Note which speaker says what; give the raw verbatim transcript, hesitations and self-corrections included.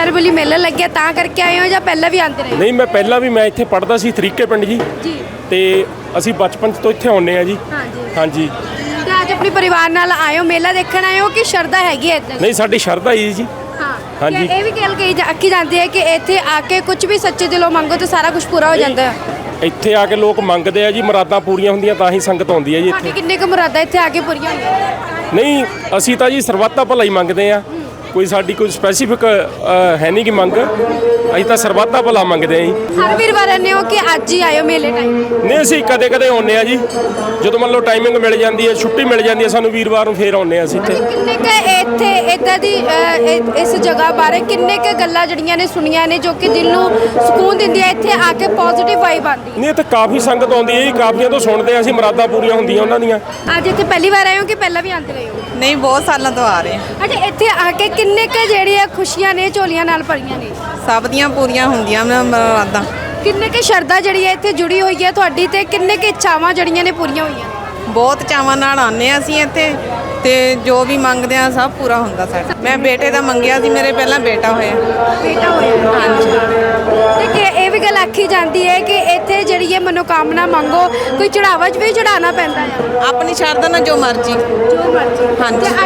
Speaker 1: ਸ਼ਹਿਰ ਵਾਲੀ ਮੇਲਾ ਲੱਗਿਆ ਤਾਂ ਕਰਕੇ ਆਏ ਹੋ ਜਾਂ ਪਹਿਲਾਂ ਵੀ ਆਉਂਦੇ ਰਹੇ?
Speaker 2: ਨਹੀਂ, ਮੈਂ ਪਹਿਲਾਂ ਵੀ ਮੈਂ ਇੱਥੇ ਪੜ੍ਹਦਾ ਸੀ ਤਰੀਕੇ ਪਿੰਡ ਜੀ
Speaker 1: ਜੀ।
Speaker 2: ਤੇ ਅਸੀਂ ਬਚਪਨ ਤੋਂ ਇੱਥੇ ਆਉਂਦੇ ਆ ਜੀ।
Speaker 1: ਹਾਂਜੀ
Speaker 2: ਹਾਂਜੀ।
Speaker 1: ਤੇ ਅੱਜ ਆਪਣੇ ਪਰਿਵਾਰ ਨਾਲ ਆਏ ਹੋ, ਮੇਲਾ ਦੇਖਣ ਆਏ ਹੋ ਕਿ ਸ਼ਰਧਾ ਹੈਗੀ ਹੈ ਇੱਦਾਂ?
Speaker 2: ਨਹੀਂ, ਸਾਡੀ ਸ਼ਰਧਾ ਹੀ ਜੀ।
Speaker 1: ਹਾਂ।
Speaker 2: ਹਾਂਜੀ।
Speaker 1: ਇਹ ਵੀ ਗੱਲ ਕਹੀ ਜਾ- ਆਖੀ ਜਾਂਦੀ ਹੈ ਕਿ ਇੱਥੇ ਆ ਕੇ ਕੁਝ ਵੀ ਸੱਚੇ ਦਿਲੋਂ ਮੰਗੋ ਤਾਂ ਸਾਰਾ ਕੁਝ ਪੂਰਾ ਹੋ ਜਾਂਦਾ ਹੈ।
Speaker 2: ਇੱਥੇ ਆ ਕੇ ਲੋਕ ਮੰਗਦੇ ਆ ਜੀ, ਮੁਰਾਦਾਂ ਪੂਰੀਆਂ ਹੁੰਦੀਆਂ ਤਾਂ ਹੀ ਸੰਗਤ ਆਉਂਦੀ ਹੈ ਜੀ
Speaker 1: ਤੁਹਾਡੀ
Speaker 2: ਇੱਥੇ।
Speaker 1: ਕਿੰਨੇ ਕੁ ਮੁਰਾਦਾਂ ਇੱਥੇ ਆ ਕੇ ਪੂਰੀਆਂ ਹੋਈਆਂ?
Speaker 2: ਨਹੀਂ, ਅਸੀਂ ਤਾਂ ਜੀ ਸਰਬੱਤਾ ਭਲਾ ਹੀ ਮੰਗਦੇ ਆ, ਕੋਈ ਸਾਡੀ ਕੋਈ ਸਪੈਸੀਫਿਕ ਹੈ ਨਹੀਂ ਕਿ ਮੰਗ, ਅਸੀਂ ਤਾਂ ਸਰਬੱਤਾ ਭਲਾ ਮੰਗਦੇ ਆ ਜੀ।
Speaker 1: ਹਰ ਵੀਰਵਾਰ ਆਉਂਦੇ ਹੋ ਕਿ ਅੱਜ ਹੀ ਆਇਓ ਮੇਲੇ ਟਾਈਮ?
Speaker 2: ਨਹੀਂ, ਅਸੀਂ ਕਦੇ ਕਦੇ ਆਉਂਦੇ ਆ ਜੀ, ਜਦੋਂ ਮੰਨ ਲਓ ਟਾਈਮਿੰਗ ਮਿਲ ਜਾਂਦੀ ਹੈ, ਛੁੱਟੀ ਮਿਲ ਜਾਂਦੀ ਹੈ ਸਾਨੂੰ ਵੀਰਵਾਰ ਨੂੰ, ਫੇਰ ਆਉਂਦੇ ਆ ਅਸੀਂ ਇੱਥੇ।
Speaker 1: ਕਿੰਨੇ ਕ ਇੱਥੇ ਇਦਾਂ ਦੀ ਅ, ਇ- ਇਸ ਜਗ੍ਹਾ ਬਾਰੇ ਕਿੰਨੇ ਕ ਗੱਲਾਂ ਜਿਹੜੀਆਂ ਨੇ ਸੁਣੀਆਂ ਨੇ ਜੋ ਕਿ ਦਿਲ ਨੂੰ ਸਕੂਨ ਦਿੰਦੀਆਂ, ਇੱਥੇ ਆ ਕੇ ਪੋਜ਼ਿਟਿਵ ਵਾਈਬ ਆਉਂਦੀ?
Speaker 2: ਨਹੀਂ, ਇੱਥੇ ਕਾਫੀ ਸੰਗਤ ਆਉਂਦੀ ਹੈ ਜੀ, ਕਾਫੀਆਂ ਤੋਂ ਸੁਣਦੇ ਆ ਅਸੀਂ, ਮੁਰਾਦਾਂ ਪੂਰੀਆਂ ਹੁੰਦੀਆਂ ਉਹਨਾਂ ਦੀਆਂ।
Speaker 1: ਅੱਜ ਇੱਥੇ ਪਹਿਲੀ ਵਾਰ ਆਏ ਹੋ ਕਿ ਪਹਿਲਾਂ ਵੀ ਆਉਂਦੇ ਰਹੇ ਹੋ?
Speaker 3: ਨਹੀਂ, ਬਹੁਤ ਸਾਲਾਂ ਤੋਂ ਆ ਰਹੇ ਹਾਂ।
Speaker 1: ਅੱਛਾ, ਇੱਥੇ ਆ ਕੇ ਕਿੰਨੇ ਕ ਜਿਹੜੀਆਂ ਖੁਸ਼ੀਆਂ ਨੇ ਝੋਲੀਆਂ ਨਾਲ ਭਰੀਆਂ ਨੇ?
Speaker 3: ਸਭ ਦੀਆਂ ਪੂਰੀਆਂ ਹੁੰਦੀਆਂ ਨੇ ਮੁਰਾਦਾਂ।
Speaker 1: ਕਿੰਨੇ ਕ ਸ਼ਰਧਾ ਜਿਹੜੀ ਹੈ ਇੱਥੇ ਜੁੜੀ ਹੋਈ ਹੈ ਤੁਹਾਡੀ, ਤੇ ਕਿੰਨੇ ਕ ਇੱਛਾਵਾਂ ਜਿਹੜੀਆਂ ਨੇ ਪੂਰੀਆਂ ਹੋਈਆਂ?
Speaker 3: ਬਹੁਤ ਚਾਵਾਂ ਨਾਲ ਆਉਂਦੇ ਹਾਂ ਅਸੀਂ ਇੱਥੇ, ਤੇ ਜੋ ਵੀ ਮੰਗਦੇ ਆ ਸਭ ਪੂਰਾ ਹੁੰਦਾ ਸਾਡਾ। ਮੈਂ ਬੇਟੇ ਦਾ ਮੰਗਿਆ ਸੀ, ਮੇਰੇ ਪਹਿਲਾਂ ਬੇਟਾ ਹੋਇਆ।
Speaker 1: ਬੇਟਾ ਹੋਇਆ? ਹਾਂਜੀ। ਤੇ ਕਿ ਇਹ ਵੀ ਗੱਲ ਆਖੀ ਜਾਂਦੀ ਹੈ ਕਿ ਇੱਥੇ ਜਿਹੜੀ ਹੈ ਮਨੋਕਾਮਨਾ ਮੰਗੋ, ਕੋਈ ਚੜਾਵਾ 'ਚ ਵੀ ਚੜਾਉਣਾ ਪੈਂਦਾ ਹੈ?
Speaker 3: ਆਪਣੀ ਸ਼ਰਧਾ ਨਾਲ ਜੋ ਮਰਜ਼ੀ।
Speaker 1: ਜੋ ਮਰਜ਼ੀ।
Speaker 3: ਹਾਂਜੀ।
Speaker 1: ਤੇ